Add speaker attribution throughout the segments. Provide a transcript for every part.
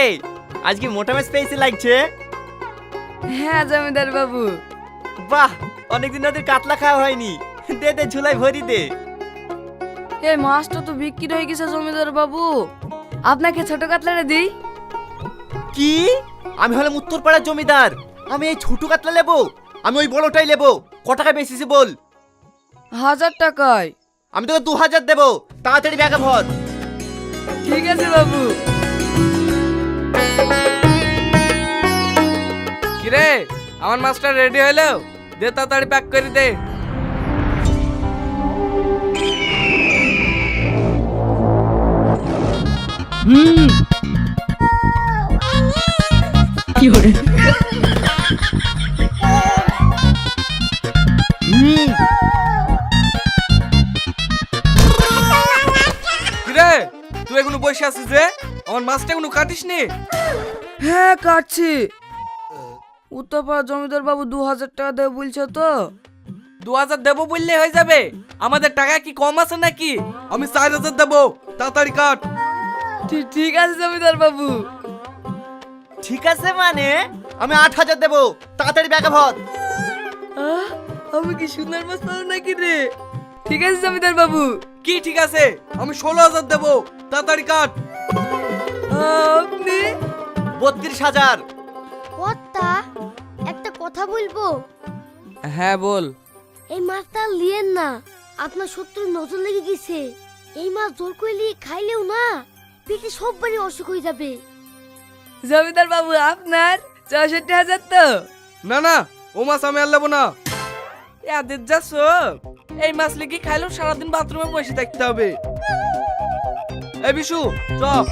Speaker 1: আজকে মোটা মাছ পেয়েছি লাগছে।
Speaker 2: হ্যাঁ জমিদার বাবু।
Speaker 1: বাহ, অনেকদিন ওদের কাতলা খাওয়া হয়নি। দে দে, ঝুলাই ভরি দে।
Speaker 2: এই মাছটা তো বিক্রি হয়ে গেছে জমিদার বাবু, আপনাকে ছোট কাতলাটা দিই।
Speaker 1: কি? আমি হলাম উত্তরপাড়ার জমিদার, আমি এই ছোট কাতলা নেবো? আমি ওই বড়টাই নেবো। ক টাকা বেশিছি বল?
Speaker 2: 1000 টাকায়।
Speaker 1: আমি তোকে 2000 দেবো, তাড়াতাড়ি ব্যাগে ভর।
Speaker 2: ঠিক আছে বাবু।
Speaker 3: কিরে, আমার মাছটা রেডি হইলো? দে তাড়াতাড়ি প্যাক করে দে। কিরে, তুই এখনো বসে আছিস যে? আমার মাছটা এখনো কাটিস নি?
Speaker 2: হ্যাঁ কাটছি। উত্তরপাড়া জমিদার বাবু 2000 টাকা দেবে বলছে তো।
Speaker 3: 2000 দেবো বললে হয়ে যাবে? আমাদের টাকা কি কম আছে নাকি? আমি 4000 দেবো, তাড়াতাড়ি কাট।
Speaker 2: ঠিক আছে জমিদার বাবু।
Speaker 1: ঠিক আছে মানে আমি 8000 দেবো, তাড়াতাড়ি ব্যাগে ভর।
Speaker 2: আমি কি সুন্দর মাছ পাবো নাকি রে? ঠিক আছে জমিদার বাবু।
Speaker 3: কি ঠিক আছে? আমি 16000 দেবো, তাড়াতাড়ি কাট।
Speaker 2: আপনি?
Speaker 1: 32000।
Speaker 4: কর্তা, একটা কথা বলবো?
Speaker 3: হ্যাঁ বল।
Speaker 4: এই মাছটা লিয়েন না, আপনার শত্রুর নজর লেগে গেছে। এই মাছ জোর করে খাইলেও না পেটে সববারই অসুখ হয়ে যাবে।
Speaker 2: জমিদার বাবু আপনার 64,000 তো?
Speaker 3: না না, ও মাছ আমি আর নেবো না। এদের যা সব, এই মাছ লিখে খাইলেও সারাদিন বাথরুমে বসে থাকতে হবে। এই বিশু, চপ।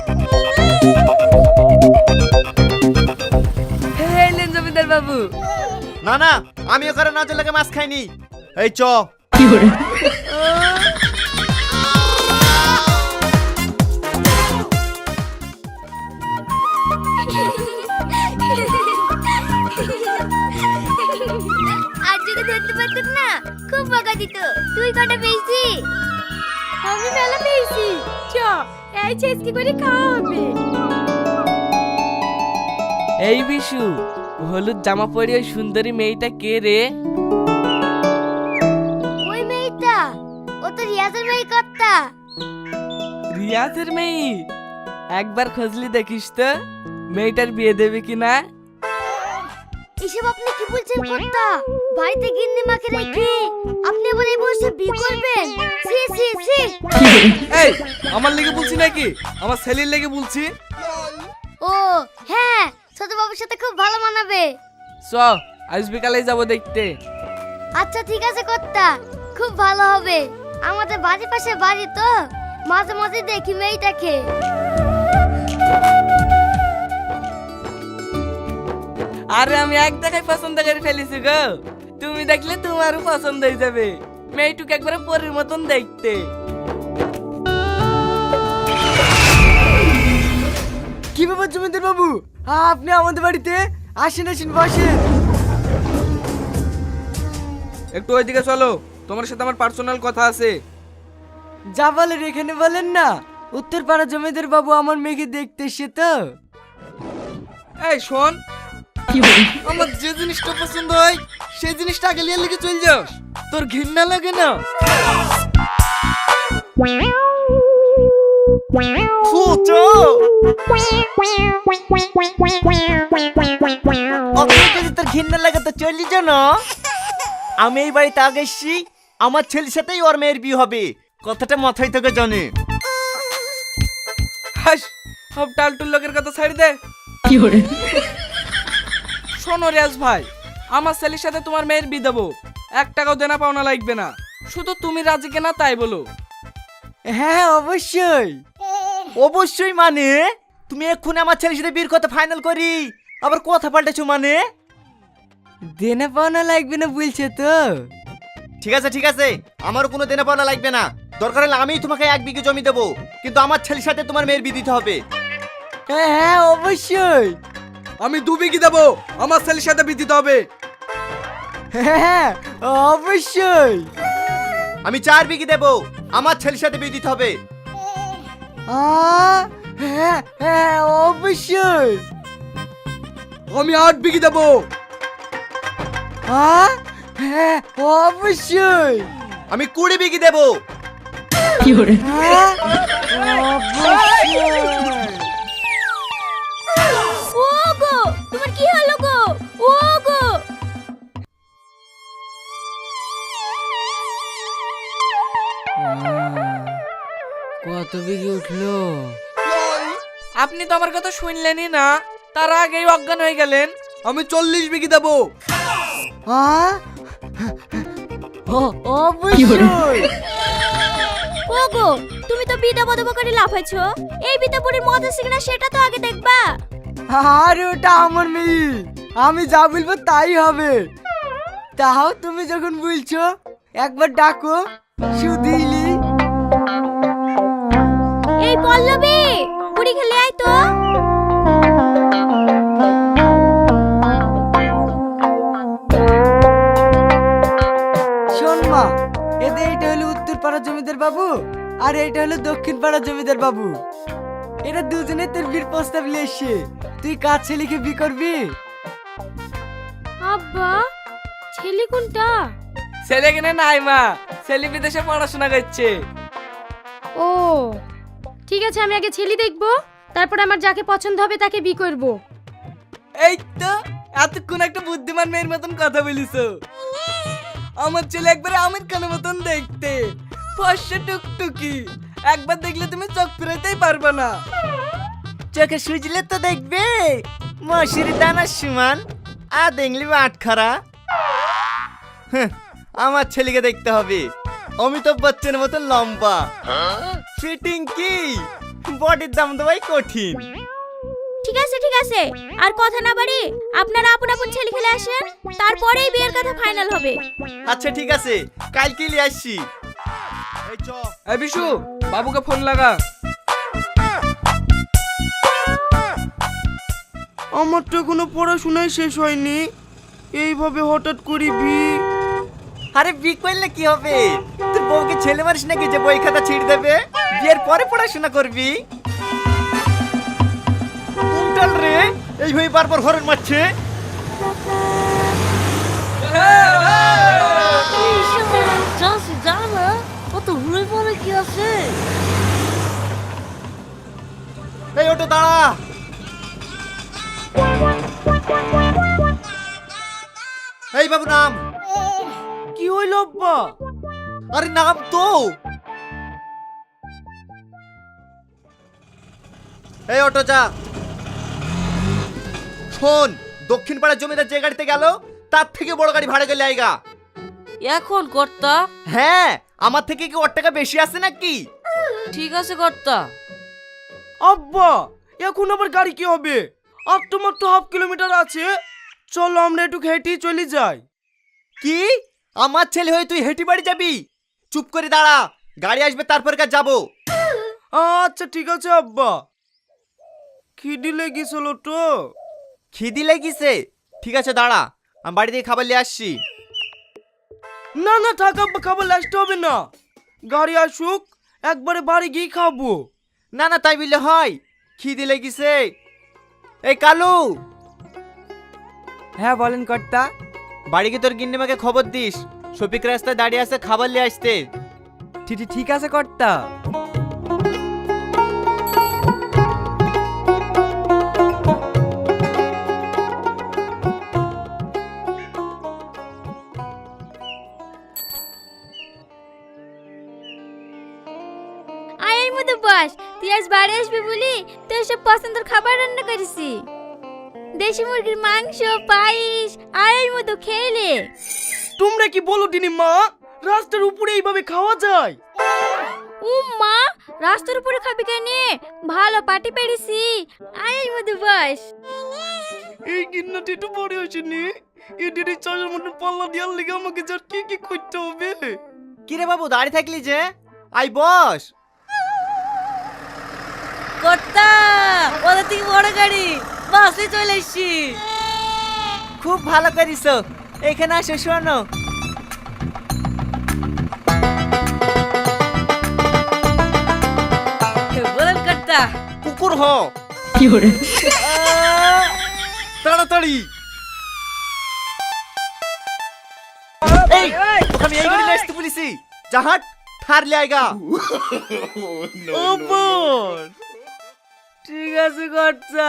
Speaker 2: এলেন জমিদার বাবু।
Speaker 1: না না, আমি ওখানে নজর লাগে মাছ খাইনি। এই চ।
Speaker 4: আর যদি ধরতে পারতেন না খুব বকা দিত। তুই কটা পেয়েছি? আমি মেলা পেয়েছি। চ, এই চেষ্টি করে খাওয়া হবে।
Speaker 3: এই বিশু, হলুদ জামা পরে ওই সুন্দরী মেয়েটা কে রে?
Speaker 4: ওই মেয়েটা, ও তো রিয়াজের মেয়ে কর্তা।
Speaker 3: রিয়াজের মেয়ে? একবার খোঁজলি দেখিস তো মেয়েটার বিয়ে দেবে কিনা।
Speaker 4: এসব আপনি কি বলছেন কর্তা? বাড়িতে গিন্নি মাকে রেখে আপনি আবার এই বয়সে বিয়ে করবেন? সি সি সি।
Speaker 3: এই, আমার লেগে বলছি নাকি আমার ছেলের লেগে বলছি?
Speaker 4: ও হ্যাঁ, ছোট বাবুর সাথে খুব ভালো মানাবে।
Speaker 3: চ, আজ বিকালে যাবো দেখতে।
Speaker 4: আচ্ছা ঠিক আছে কর্তা, খুব ভালো হবে। আমাদের বাড়ির পাশে বাড়ি তো, মাঝে মাঝে দেখি মেয়েটাকে।
Speaker 3: আরে আমি এক দেখায় পছন্দ করে ফেলেছি গো। তুমি দেখলে তোমারও পছন্দ হয়ে যাবে। মেয়েটুকে একবারে পরীর মতন দেখতে।
Speaker 2: কি ব্যাপার জমিদার বাবু, আপনি আমাদের বাড়িতে আসেন আসেন বসেন।
Speaker 3: একটু ওইদিকে চলো, তোমার সাথে আমার পার্সোনাল কথা আছে।
Speaker 2: যা বলেন এখানে বলেন না। উত্তরপাড়া জমিদার বাবু আমার মেয়েকে দেখতে এসে তো।
Speaker 3: এই শোন, আমার যে জিনিসটা পছন্দ হয় সেই জিনিসটা আগে লিয়ে লিখে চল যাস। তোর ঘৃণা লাগে না?
Speaker 1: যদি তোর ঘৃণা লাগে তো চলি যা না। আমি এই বাড়িতে আগে এসছি, আমার ছেলের সাথেই ওর মেয়ের বিয়ে হবে। কথাটা মাথায় থেকে জানে।
Speaker 3: হাস, সব টালটুল লোকের কথা ছাড়ি দে। শোনো রিয়াজ ভাই, আমার ছেলের সাথে তোমার মেয়ের বিয়ে দেবো। 1 টাকাও দেনা পাওনা লাগবে না, শুধু তুমি রাজি কেনা তাই বলো।
Speaker 2: হ্যাঁ অবশ্যই।
Speaker 1: অবশ্যই মানে তুমি এক্ষুনি আমার ছেলের সাথে বিয়ের কথা ফাইনাল করি আবার কথা পাল্টেছো মানে?
Speaker 2: দেনা পাওনা লাগবে না বলছে তো।
Speaker 1: ঠিক আছে ঠিক আছে, আমারও কোনো দেনা পাওনা লাগবে না। দরকার হলে আমিই তোমাকে 1 বিঘে জমি দেবো, কিন্তু আমার ছেলের সাথে তোমার মেয়ের বিয়ে দিতে হবে।
Speaker 2: হ্যাঁ অবশ্যই।
Speaker 3: আমি 2 বিঘি দেবো, আমার ছেলের সাথে বিয়ে দিতে হবে।
Speaker 2: হ্যাঁ অবশ্যই।
Speaker 1: আমি 4 বিঘি দেবো, আমার ছেলের সাথে বিয়ে দিতে হবে।
Speaker 2: হ্যাঁ হ্যাঁ অবশ্যই।
Speaker 3: আমি 8 বিঘি দেবো।
Speaker 2: হ্যাঁ হ্যাঁ অবশ্যই।
Speaker 1: আমি 20 বিঘি দেবো।
Speaker 2: হ্যাঁ অবশ্যই।
Speaker 4: ও গো, তোমার কি হলো গো? ও গো,
Speaker 2: কত বিঘি উঠলো?
Speaker 3: আপনি তো আমার কথা শুনলেনই না, তার আগেই অজ্ঞান হয়ে গেলেন। আমি 40 বিঘি দেবো।
Speaker 2: হ্যাঁ অবশ্যই।
Speaker 4: ও গো, তুমি তো বিটা বদব করে লাফাইছো। এই বিটা বুড়ির মদ আছে কিনা সেটা তো আগে দেখবা।
Speaker 2: আরে ওটা আমার মেয়ে, আমি যা বলবো তাই হবে। তাও তুমি যখন বলছো একবার ডাকো সুদিলি।
Speaker 4: এই পল্লবী, বুড়ি খেলে আয় তো।
Speaker 2: শোন মা, এদের এইটা হলো উত্তর পাড়ার জমিদার বাবু আর এইটা হলো দক্ষিণ পাড়ার জমিদার বাবু। এরা দুজনে তোর বিয়ের প্রস্তাব নিয়ে এসছে। তুই কার ছেলেকে বিয়ে করবি?
Speaker 4: আব্বা, ছেলে কোনটা?
Speaker 3: ছেলে কিনে নাই মা, ছেলে বিদেশে পড়াশোনা করছে।
Speaker 5: ও ঠিক আছে, আমি আগে ছেলে দেখবো, তারপর আমার যাকে পছন্দ হবে তাকে বিয়ে করব।
Speaker 3: এই তো এতক্ষণ একটা বুদ্ধিমান মেয়ের মতন কথা বলিছো। আমার ছেলে একবারে আমির খানের মতন দেখতে, ফর্সা টুকটুকি। একবার দেখলে তুমি চোখ ফেরাতেই পারবে না।
Speaker 1: চোখে সুজলে তো দেখবে মশুরি দানার সমান, আর দেখলি আটখারা। আমার ছেলেকে দেখতে হবে অমিতাভ বচ্চনের মতন লম্বা, ফিটিং কি, বডির দাম তো ভাই কঠিন।
Speaker 4: ঠিক আছে ঠিক আছে, আর কথা না বাড়ি আপনারা আপন আপন ছেলে খেলে আসেন, তারপরেই বিয়ের কথা ফাইনাল হবে।
Speaker 1: আচ্ছা ঠিক আছে, কালকে নিয়ে আসছি। এই চ।
Speaker 3: এই বিশু, বাবুকে ফোন লাগা।
Speaker 2: আমার তো এখনো পড়াশোনাই শেষ হয়নি, এইভাবে হঠাৎ করি বিয়ে?
Speaker 1: আরে বিয়ে করলে কি হবে? তোর বউকে ছেলে মারিস নাকি যে বই খাতা ছিঁড়ে দেবে? বিয়ের পরে পড়াশোনা করবি। কোনটাল রে এইভাবে বারবার হরন মারছে? এই ওটো দাঁড়া। এই বাবু নাম।
Speaker 2: কি হইল আব্বা?
Speaker 1: আরে নাম তো। এই অটো যা। শোন, দক্ষিণ পাড়ার জমিদার যে গাড়িতে গেল তার থেকে বড় গাড়ি ভাড়া গেলে আইগা।
Speaker 6: এখন কর্তা?
Speaker 1: হ্যাঁ, আমার থেকে কি ওর টাকা বেশি আছে নাকি?
Speaker 6: ঠিক আছে কর্তা।
Speaker 2: আব্বা, এখন আবার গাড়ি কি হবে? আর তো মাত্র হাফ কিলোমিটার আছে, চলো আমরা একটু হেঁটেই চলে যাই।
Speaker 1: কি? আমার ছেলে হয়ে তুই হেঁটে বাড়ি যাবি? চুপ করে দাঁড়া, গাড়ি আসবে তারপর কাজ যাবো।
Speaker 2: আচ্ছা ঠিক আছে আব্বা। খিদি লেগেছিল তো।
Speaker 1: খিদি লেগেছে? ঠিক আছে দাঁড়া, আমি বাড়ি থেকে খাবার নিয়ে আসছি।
Speaker 2: না না থাক আব্বা, খাবার লাস্ট হবে না, গাড়ি আসুক একবারে বাড়ি গিয়ে খাবো।
Speaker 1: না না তাই বললে হয়, খিদি লেগেছে। এই কালু।
Speaker 2: হ্যাঁ বলেন কর্তা।
Speaker 1: বাড়ি গিয়ে তোর গিন্নিমাকে খবর দিস, শফিক রাস্তায় দাঁড়িয়ে আছে, খাবার নিয়ে আসতে।
Speaker 2: ঠিক আছে কর্তা।
Speaker 4: আয়ের মতো বস, তুই আজ বাড়ি আসবি বলি তোর সব পছন্দের খাবার রান্না করেছি। দেশি মুরগির মাংস, পায়েস, আয়ের মতো খেলে।
Speaker 2: তোমরা কি বলো দিনি মা, রাস্তার উপরে এইভাবে খাওয়া যায়?
Speaker 4: মা, রাস্তার উপরে খাবি কেন? ভালো পাটি পেরেছি, আয়ের মতো বস।
Speaker 2: এই গিন্নাটি একটু বড় হয়েছেনি, এদের চাষের মধ্যে পাল্লা দেওয়ার লেগে আমাকে যার কি করতে হবে?
Speaker 1: কিরে বাবু দাঁড়িয়ে থাকলি যে, আই বস।
Speaker 6: কর্তা, ওদের থেকে বড় গাড়ি, বাসে চলে এসছি।
Speaker 1: খুব ভালো করিস, এখানে আসো শোনো।
Speaker 6: বলেন কর্তা।
Speaker 1: শুকুর হ তাড়াতাড়ি এই তোকে আমি এই করে নিয়ে আসতে বলেছি জাহাট ঠার লে আইগা
Speaker 3: ওপর ঠিক আছে কর্তা।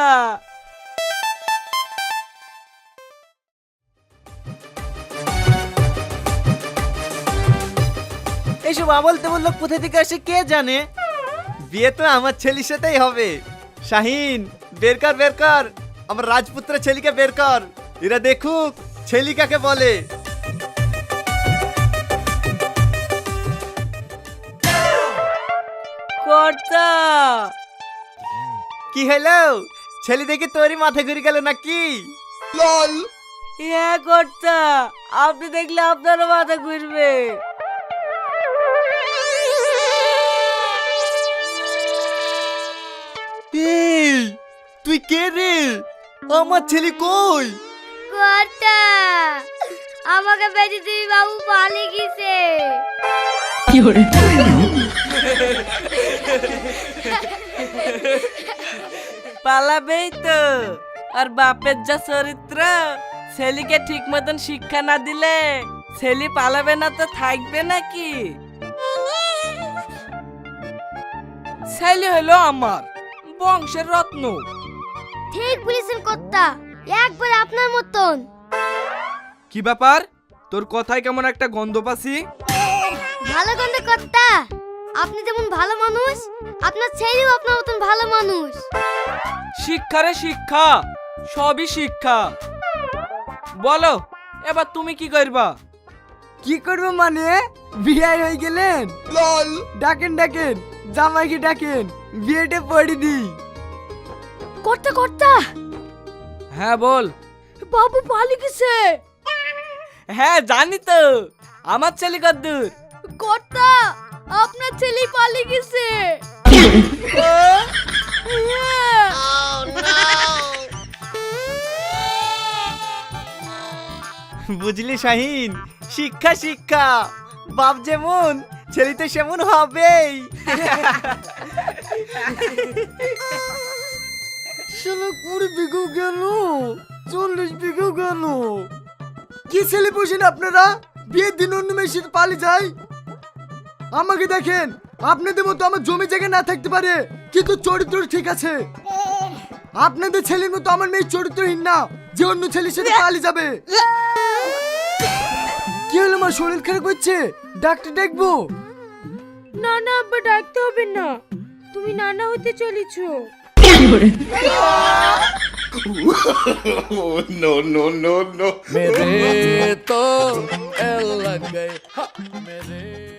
Speaker 1: এইসব আবল তেমন লোক কোথা থেকে আসে কে জানে। বিয়ে তো আমার ছেলের সাথেই হবে। শাহিন বের কর আমার রাজপুত্র ছেলেকে বের কর, এরা দেখুক ছেলে কাকে বলে।
Speaker 3: কর্তা
Speaker 1: কি হলো ছেলে দেখি তোরই মাথা ঘুরে গেল নাকি?
Speaker 3: হ্যাঁ কর্তা, আপনি দেখলে আপনারও মাথা ঘুরবে।
Speaker 1: এই তুই কে রে? আমার ছেলে কই?
Speaker 4: কর্তা আমাকে বেঁচে তুমি বাবু পালিয়ে গেছে।
Speaker 3: পালাবেই তো, আর বাপের যা চরিত্র, ছেলেকে ঠিক মতন শিক্ষা না দিলে ছেলে পালাবে না তো থাকবে নাকি? ছেলে হলো আমার বংশের রত্ন।
Speaker 4: ঠিক বলেছেন কর্তা, একবার আপনার মতন।
Speaker 3: কি ব্যাপার, তোর কথায় কেমন একটা গন্ধ পাচ্ছি?
Speaker 4: ভালো গন্ধ কর্তা, আপনি যেমন ভালো মানুষ, আপনার ছেলেও আপনার মতন ভালো মানুষ।
Speaker 3: শিক্ষা রে শিক্ষা, সবই শিক্ষা। বলো এবার তুমি কি করবা?
Speaker 2: কি করবো মানে, বিয়ে হয়ে গেলেন? ডাকেন জামাইকে ডাকেন, বিয়েটা পড়ি দি।
Speaker 4: কর্তা কর্তা
Speaker 3: হ্যাঁ বল।
Speaker 4: বাবু পালিয়ে গেছে।
Speaker 3: হ্যাঁ জানি তো, আমার ছেলে কদ্দুর।
Speaker 4: কর্তা আপনার ছেলে পালিয়ে গেছে।
Speaker 1: বুঝলি শাহিন, শিক্ষা শিক্ষা, বাপ যেমন ছেলে তো সেমন হবেই।
Speaker 2: শালা 20 বিঘেও গেল, 40 বিঘেও গেল। কি ছেলে বসেন আপনারা, বিয়ের দিন অন্য মেয়ের সাথে পালিয়ে যায়। আমাকে দেখেন, আপনাদের মতো আমার জমি জায়গা না থাকতে পারে, কিন্তু চরিত্র ঠিক আছে। আপনাদের ছেলের মতো আমার মেয়ে চরিত্রহীন না, যে অন্য ছেলের সাথে পালিয়ে যাবে। কি হলো মা, শরীর খারাপ হচ্ছে? ডাক্তার ডাকবো?
Speaker 5: না না আব্বা, ডাকতে হবে না, তুমি নানা হতে চলেছো।
Speaker 7: no, no, no, no.
Speaker 8: मेरे तो लग गए मेरे